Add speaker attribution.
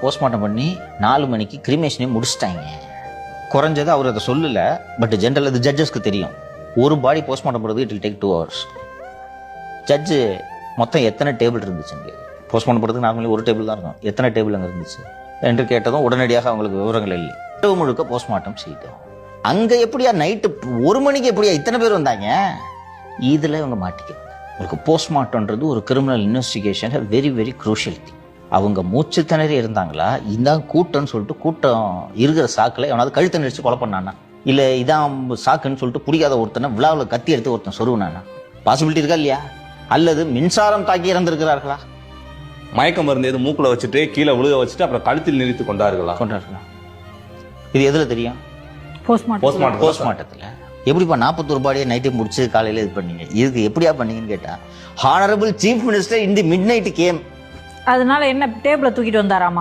Speaker 1: Postmortem பண்ணி 4 மணிக்கு கிரிமேஷனே முடிச்சிட்டாங்க. குறைஞ்சது அவர் அதை சொல்லலை, பட் ஜென்ரல் அது ஜட்ஜஸ்க்கு தெரியும். ஒரு பாடி போஸ்ட்மார்ட்டம் பண்ணுறது it will take 2 hours. Judge மொத்தம் எத்தனை டேபிள் இருந்துச்சுங்க போஸ்ட்மார்ட்டம் பண்ணுறதுக்கு நார்மலி ஒரு டேபிள் தான் இருக்கும், எத்தனை டேபிள் அங்கே இருந்துச்சு என்று கேட்டதும் உடனடியாக அவங்களுக்கு விவரங்கள் இல்லை. இரவு முழுக்க போஸ்ட்மார்ட்டம் செய்தோம். அங்கே எப்படியா நைட்டு 1 மணிக்கு எப்படியா இத்தனை பேர் வந்தாங்க? இதில் இவங்க மாட்டிக்கிறாங்க. உங்களுக்கு போஸ்ட்மார்ட்டம்ன்றது ஒரு criminal investigation very very crucial thing. அவங்க மூச்சு திணறி இருந்தாங்களா, இதான் கூட்டம்னு சொல்லிட்டு கூட்டம் இருக்கிற சாக்கில் எவனாவது கழுத்தை நெரிச்சு கொலை பண்ணானா, இல்லை இதான் சாக்குன்னு சொல்லிட்டு பிடிக்காத ஒருத்தனை விழாவில் கத்தி எடுத்து ஒருத்தன் சொருவினானா? பாசிபிலிட்டி இருக்கா இல்லையா? அல்லது மின்சாரம் தாக்கி இறந்திருக்கிறார்களா?
Speaker 2: மயக்க மருந்து எது மூக்குல வச்சுட்டு கீழே விழுக வச்சுட்டு அப்புறம் கழுத்தில் நிறுத்தி கொண்டார்களா?
Speaker 1: இது எதுல தெரியும்? போஸ்ட்மார்ட்டத்தில். எப்படிப்பா 41 பாடியை நைட்டே முடிச்சு காலையில் இது பண்ணீங்க? இதுக்கு எப்படியா பண்ணீங்கன்னு கேட்டா, honourable chief minister in the midnight came.
Speaker 3: அதனால என்ன டேபிள தூக்கிட்டு வந்தாராமா?